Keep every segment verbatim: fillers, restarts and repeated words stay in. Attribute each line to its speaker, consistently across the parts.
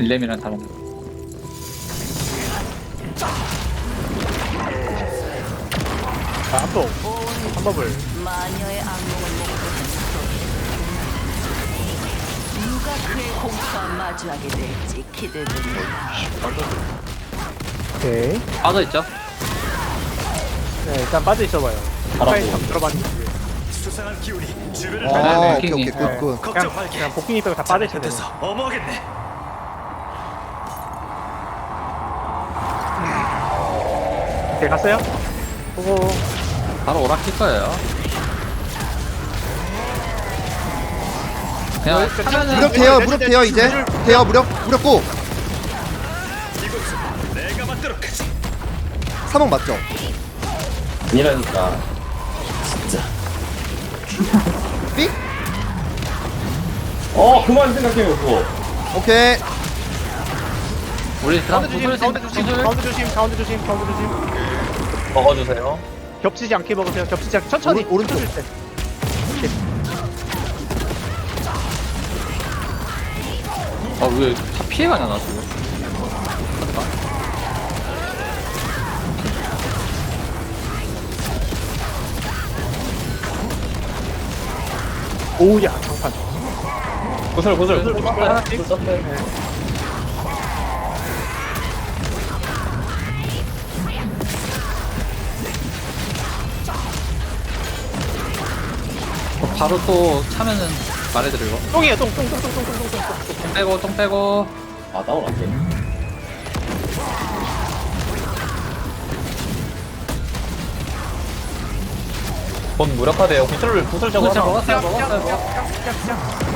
Speaker 1: 밀렘이랑 다 먹는.
Speaker 2: 자, 한번 한번을
Speaker 3: 마녀의 악몽을 목도한 누가 그의 공포와 마주하게 될지 기대됩니다.
Speaker 2: 오케이.
Speaker 1: 빠져 있죠?
Speaker 2: 네, 일단 빠져 있어봐요. 가까이 좀 들어봤는데
Speaker 4: 수상한 기운이 주변을
Speaker 1: 네,
Speaker 5: 아
Speaker 1: 네,
Speaker 5: 오케이
Speaker 1: 킹이.
Speaker 5: 오케이 굿굿
Speaker 2: 그냥
Speaker 4: 걱정 말게.
Speaker 2: 그냥 복귀 빼고 다 빠져 있어야 돼요.
Speaker 4: 돼서 어머겠네.
Speaker 2: 오케이 갔어요? 보고
Speaker 1: 바로 오락킬 거예요. 그냥 하면은
Speaker 5: 무력 돼요 무력 돼요 이제 돼요 무력 무력 고
Speaker 4: 이곳은 내가 맞도록 하지.
Speaker 5: 삼억 맞죠?
Speaker 6: 아니라니까.
Speaker 5: 삑?
Speaker 6: 어, 그만 생각해요, 그거.
Speaker 5: 오케이
Speaker 1: 우리 그다음
Speaker 2: 가운데 조심,
Speaker 1: 구슬
Speaker 2: 가운데
Speaker 1: 생-
Speaker 2: 조심,
Speaker 1: 구슬
Speaker 2: 가운데 조심, 가운데 조심, 가운데 조심.
Speaker 6: 먹어주세요.
Speaker 2: 겹치지 않게 먹으세요. 겹치지 않게 천천히.
Speaker 5: 오른- 오른쪽.
Speaker 2: 줄 때.
Speaker 1: 아왜 다 피해가냐 나 지금.
Speaker 2: 오우야 장판.
Speaker 6: 구슬, 구슬.
Speaker 2: 구슬, 구슬 하나씩.
Speaker 6: 구슬 썼네.
Speaker 2: 네.
Speaker 1: 바로 또 차면은 말해드리고.
Speaker 2: 똥이에요, 똥, 똥, 똥, 똥, 똥, 똥, 똥, 똥, 똥.
Speaker 1: 똥 빼고 똥 빼고.
Speaker 6: 아, 다운 안 돼. 곧 무력화돼요. 구슬을, 구슬 저거
Speaker 1: 구슬
Speaker 6: 하나.
Speaker 1: 먹었어요 먹었어요 먹었어요.
Speaker 2: 시작, 시작.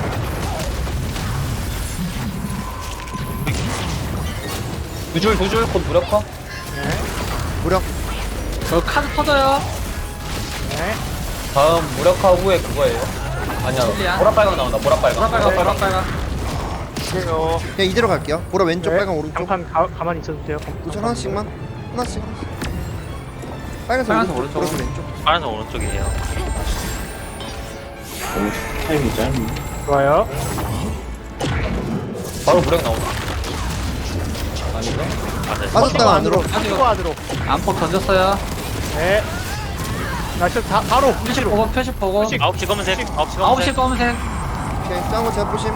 Speaker 6: 두 줄, 두 줄, 곧 무력화.
Speaker 2: 네,
Speaker 5: 무력
Speaker 1: 저 카드 터져요.
Speaker 2: 네.
Speaker 6: 다음 무력화 후에 그거예요. 아니야,
Speaker 1: 실리안.
Speaker 6: 보라빨강 나온다, 보라빨강.
Speaker 1: 보라빨강 보라빨강.
Speaker 2: 그래요.
Speaker 5: 그냥 이대로 갈게요 보라 왼쪽
Speaker 2: 네.
Speaker 5: 빨강 오른쪽
Speaker 2: 장판 가, 가만히 있어도 돼요.
Speaker 5: 우선 하나씩만 하나씩 빨간색
Speaker 1: 빨간색
Speaker 5: 오른쪽
Speaker 1: 오른쪽.
Speaker 5: 보라색 왼쪽
Speaker 7: 파란색 오른쪽이에요.
Speaker 6: 너무 타이밍이 짧네.
Speaker 2: 좋아요.
Speaker 6: 바로 무력 나온다. 아니죠?
Speaker 7: 맞아요.
Speaker 5: 빠졌다가 안으로
Speaker 2: 빠지고 안으로.
Speaker 1: 안폭 던졌어요.
Speaker 2: 네. 나 지금 다 바로
Speaker 1: 표시
Speaker 2: 위치로.
Speaker 1: 보고 표시 보고.
Speaker 2: 표시.
Speaker 7: 아홉 시 검은색. 아홉 시
Speaker 1: 아홉 시
Speaker 7: 검은색.
Speaker 1: 검은색.
Speaker 5: 오케이 짱구 제가 보심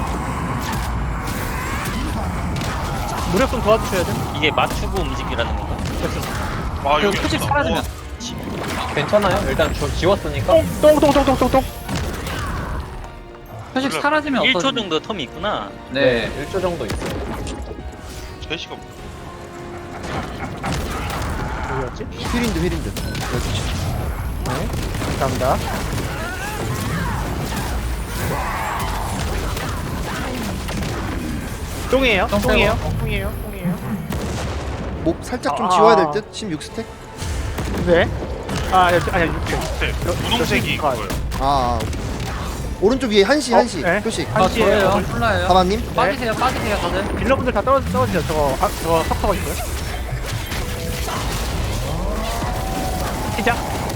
Speaker 2: 무력 좀 도와주셔야 돼.
Speaker 7: 이게 맞추고 움직이라는 건가?
Speaker 4: 아
Speaker 1: 그 표시 사라지면.
Speaker 6: 괜찮아요? 일단 주, 지웠으니까.
Speaker 2: 똥똥똥똥똥똥.
Speaker 1: 표시 사라지면
Speaker 7: 일 초
Speaker 1: 없어져.
Speaker 7: 정도 텀이 있구나.
Speaker 1: 네.
Speaker 6: 일 초 정도 있어요.
Speaker 4: 제시가
Speaker 2: 어디였지?
Speaker 5: 휘린드 휘린드 여기
Speaker 2: 네. 감사합니다. 똥이에요.
Speaker 1: 똥
Speaker 2: 똥이에요. 똥이에요. 똥이에요.
Speaker 5: 목 살짝 좀
Speaker 2: 아.
Speaker 5: 지워야 될 듯? 십육 스택?
Speaker 2: 네. 아, 여기 아니야. 육색.
Speaker 4: 네, 분홍색이 그거예요.
Speaker 5: 아, 아 오른쪽 위에 한시
Speaker 2: 어,
Speaker 5: 한시
Speaker 2: 네.
Speaker 5: 표식
Speaker 1: 아
Speaker 2: 한시에요.
Speaker 1: 저예요. 콜라예요.
Speaker 5: 가만님
Speaker 1: 빠지세요 빠지세요 다들.
Speaker 2: 딜러분들 다 떨어지, 떨어지죠. 저거, 아, 저거 석터가 있어요. 시작.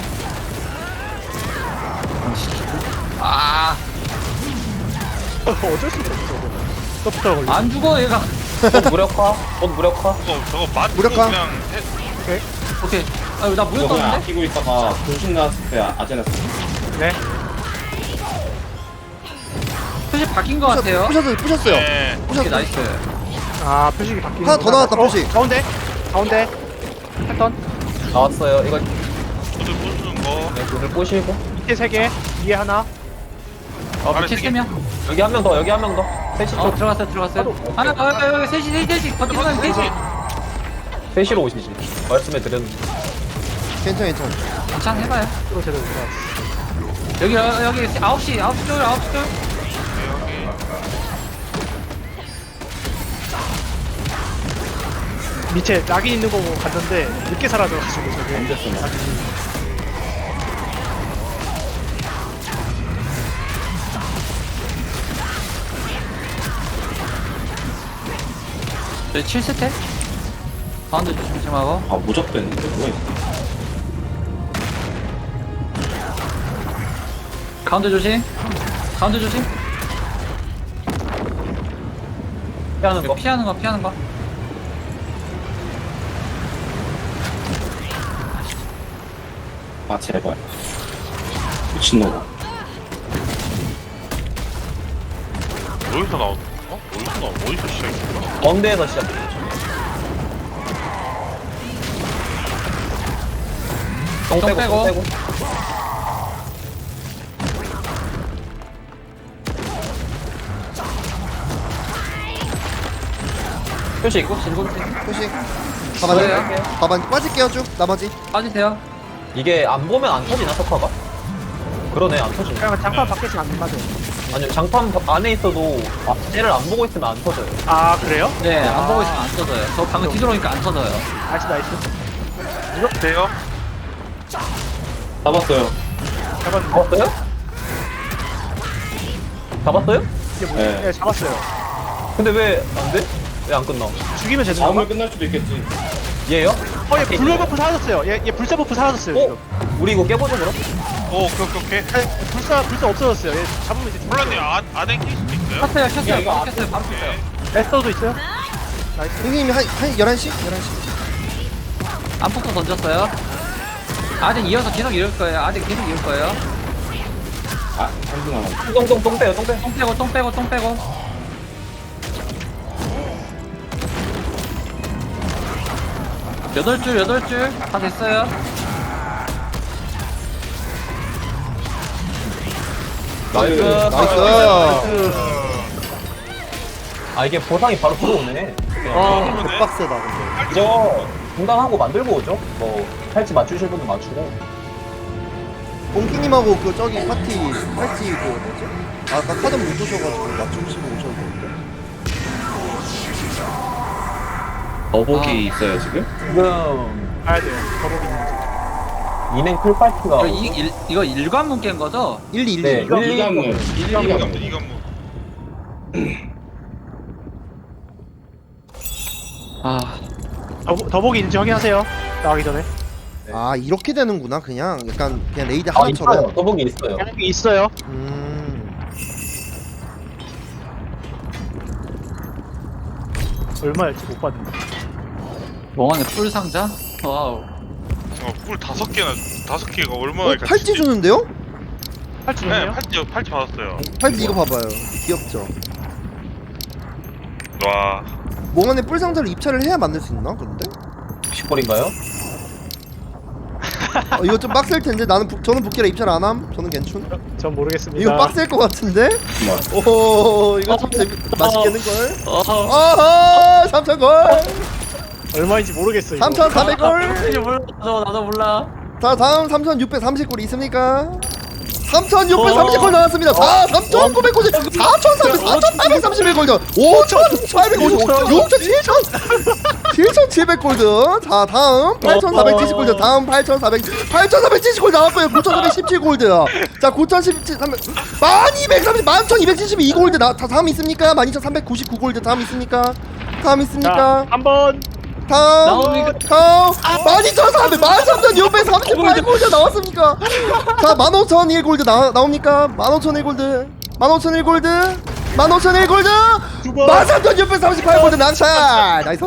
Speaker 1: 아.
Speaker 2: 어쩔 수 없어, 저거. 서프터 걸려.
Speaker 1: 안 죽어 얘가.
Speaker 6: 곧 무력화. 곧 무력화.
Speaker 4: 저거 저거 맞고
Speaker 5: 무력화.
Speaker 4: 그냥 해,
Speaker 1: 오케이. 아, 나 무효
Speaker 6: 이거 그냥
Speaker 1: 떴는데?
Speaker 6: 아끼고 있다가 분신 나왔을 때 아제나스.
Speaker 2: 네.
Speaker 1: 표시 바뀐 것 같아요.
Speaker 5: 부셨어요 부셨어요
Speaker 4: 네.
Speaker 1: 오케이
Speaker 5: 부셨어요
Speaker 1: 나이스.
Speaker 2: 아, 표식이 바뀌는
Speaker 5: 하나 더 나왔다, 표식.
Speaker 2: 가운데. 가운데. 패턴.
Speaker 6: 나왔어요. 이거
Speaker 4: 구슬 부수는 거.
Speaker 6: 네, 구슬 꼬시고.
Speaker 2: 밑에 세 개. 위에 하나.
Speaker 1: 어
Speaker 4: 아래
Speaker 1: 밑에
Speaker 4: 세
Speaker 1: 세
Speaker 4: 개.
Speaker 1: 명.
Speaker 6: 여기 한 명 더, 여기 한 명 더. 셋이
Speaker 1: 어
Speaker 6: 쪽.
Speaker 1: 들어갔어요 들어갔어요. 하나 더 여기 여기 셋이 셋이 셋이 버티는 사람 셋이.
Speaker 6: 셋이로 오시지. 말씀해 드렸는데.
Speaker 5: 괜찮아 괜찮아
Speaker 1: 괜찮 해봐요.
Speaker 2: 또 제대로 들어갔어.
Speaker 1: 여기 여- 여기 아홉 시 아홉 시 쪽 아홉 시 쪽.
Speaker 2: 밑에 낙인 있는 거 보고 갔는데 늦게 사라져가지고 저게.
Speaker 6: 언제 쓰냐.
Speaker 1: 저희 칠 스택. 가운데 조심조심하고.
Speaker 6: 아, 무적됐는데, 뭐야.
Speaker 1: 가운데 조심. 가운데 조심.
Speaker 6: 피하는 거.
Speaker 1: 피하는 거 피하는 거.
Speaker 8: 아 제발 미친놈아.
Speaker 4: 어디서 나온 어? 어디서 나온 어디서 시작했어?
Speaker 6: 가운데에서 시작. 똥
Speaker 1: 똥
Speaker 6: 빼고
Speaker 1: 빼고.
Speaker 6: 똥 빼고. 표시 있고 진군
Speaker 5: 표식.
Speaker 1: 뭐예요?
Speaker 5: 가만히. 가만히 빠질게요 쭉. 나머지.
Speaker 1: 빠지세요.
Speaker 6: 이게 안 보면 안 터지나 석화가? 그러네 안 터지네.
Speaker 2: 그냥 장판 밖에 지금 안 맞아요.
Speaker 6: 아니요 장판 안에 있어도 아, 쟤를 안 보고 있으면 안 터져요.
Speaker 2: 아 그래요?
Speaker 1: 네, 안
Speaker 2: 아.
Speaker 1: 보고 있으면 안 터져요. 저 방금 뒤돌아오니까 안 터져요.
Speaker 2: 나이스 나이스.
Speaker 4: 이렇게 돼요?
Speaker 8: 잡았어요.
Speaker 2: 잡았는데.
Speaker 6: 잡았어요? 잡았어요?
Speaker 2: 이게 뭐지?
Speaker 8: 네.
Speaker 2: 네 잡았어요.
Speaker 6: 근데 왜 안 돼? 왜 안 끝나?
Speaker 2: 죽이면 되는
Speaker 8: 잡으면
Speaker 2: 건가?
Speaker 8: 끝날 수도 있겠지.
Speaker 6: 얘요?
Speaker 2: 어얘 불로 버프 사라졌어요. 얘, 얘 불사 버프 사라졌어요.
Speaker 6: 어?
Speaker 2: 지금.
Speaker 6: 우리 이거 깨보자 그럼?
Speaker 4: 오 오케이 오케이 오케이.
Speaker 2: 아니, 불사 불사 없어졌어요. 얘 잡으면 이제 죽-
Speaker 4: 콜라님 안, 안에 낄 수도 있어요?
Speaker 1: 켰어요,
Speaker 8: 야,
Speaker 1: 켰어요.
Speaker 8: 이거
Speaker 1: 바로
Speaker 8: 앞에
Speaker 1: 켰어요, 바로 켰어요.
Speaker 2: 레스터도 있어요?
Speaker 5: 선생님이 한, 한 열한 시? 열한 시.
Speaker 1: 안폭도 던졌어요. 아직 이어서 계속 이을 거예요. 아직 계속 이을 거예요.
Speaker 8: 아 한분 남았.
Speaker 6: 똥똥 똥 빼요 똥 빼.
Speaker 1: 똥 빼고, 똥 빼고, 똥 빼고. 여덟 줄, 여덟 줄. 다 됐어요.
Speaker 6: 나이스.
Speaker 5: 나이스.
Speaker 6: 아 이게 보상이 바로 들어오네.
Speaker 5: 어, 개빡세다 근데.
Speaker 6: 이거 중단하고 만들고 오죠. 뭐 팔찌 맞추실 분도 맞추고.
Speaker 5: 봉키님하고 그 저기 파티 팔찌 그 뭐지? 아까 카드 못 주셔가지고 맞추시고 오셔도 되는데.
Speaker 8: 더보기
Speaker 1: 아.
Speaker 8: 있어요 지금?
Speaker 6: 지금
Speaker 2: 가야 돼요. 더보기 있는지.
Speaker 6: 이냉 풀파이트가
Speaker 1: 이거, 이, 일, 이거 일관문 깬 거죠?
Speaker 5: 일, 이, 일,
Speaker 6: 네.
Speaker 5: 이.
Speaker 6: 이거-
Speaker 8: 이관문.
Speaker 4: 이관문
Speaker 8: 이관문.
Speaker 4: 이관문.
Speaker 1: 아,
Speaker 2: 더, 더보기 있는지 확인하세요. 나가기 전에.
Speaker 5: 아 이렇게 되는구나 그냥 약간 그냥 레이드
Speaker 6: 아 있어요.
Speaker 5: 하나처럼.
Speaker 6: 더보기 있어요.
Speaker 2: 그냥 있어요.
Speaker 5: 음.
Speaker 2: 얼마였지 못 봤는데.
Speaker 1: 멍하네 뿔 상자? 와우.
Speaker 4: 어, 꿀 다섯 개나 다섯 개가 얼마나
Speaker 5: 어
Speaker 4: 같이
Speaker 5: 팔찌
Speaker 4: 있지?
Speaker 5: 주는데요?
Speaker 2: 팔찌
Speaker 4: 네
Speaker 2: 좋네요.
Speaker 4: 팔찌 팔찌 받았어요.
Speaker 5: 팔찌 이거 봐봐요. 귀엽죠.
Speaker 4: 와
Speaker 5: 몽환의 뿔 상자를 입찰을 해야 만들 수 있나 그런데?
Speaker 6: 십골인가요?
Speaker 5: 어, 이거 좀 빡셀 텐데 나는 부, 저는 북기라 입찰 안 함. 저는 괜춘.
Speaker 2: 전 모르겠습니다.
Speaker 5: 이거 빡셀 것 같은데?
Speaker 8: 뭐.
Speaker 5: 오 이거 참 재밌 맛있겠는 걸.
Speaker 1: 어,
Speaker 5: 어허 삼천 골.
Speaker 2: 얼마인지 모르겠어. 이거.
Speaker 5: 삼천사백 골.
Speaker 1: 나도 몰라. 나도, 나도 몰라.
Speaker 5: 자 다음 삼천육백삼십 골 있습니까? 삼천육백삼십 골 나왔습니다. 자 삼천구백 골, 사천삼백, 사천팔백삼십일 골드, 오천팔백오십, 육천, 칠천, 칠천칠백 골드. 자 다음 팔천사백칠십 골드, 다음 팔천사백, 팔천사백칠십 골드 나왔고요. 구천사백십칠 골드. 자 구천십칠, 만 이백삼십, 만 천이백칠십이 골드 나. 다 다음 있습니까? 만 이천삼백구십구 골드 다음 있습니까? 다음 있습니까?
Speaker 2: 자, 한번
Speaker 5: 다음
Speaker 1: 나옵니까?
Speaker 5: 다음 만 이천사백 만 삼천육백삼십팔 골드 나왔습니까? 자 만 오천일 골드 나, 나옵니까? 만 오천일 골드 만 오천일 골드 만 오천일 골드
Speaker 2: 두 번.
Speaker 5: 만 삼천육백삼십팔 골드 낙찰 나이스.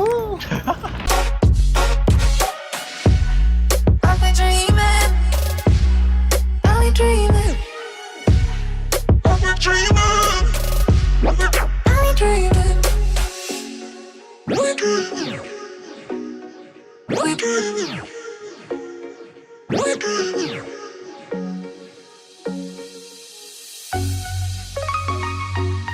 Speaker 9: Only dreaming, only dreaming, only dreaming, only dreaming, only dreaming, only dreaming.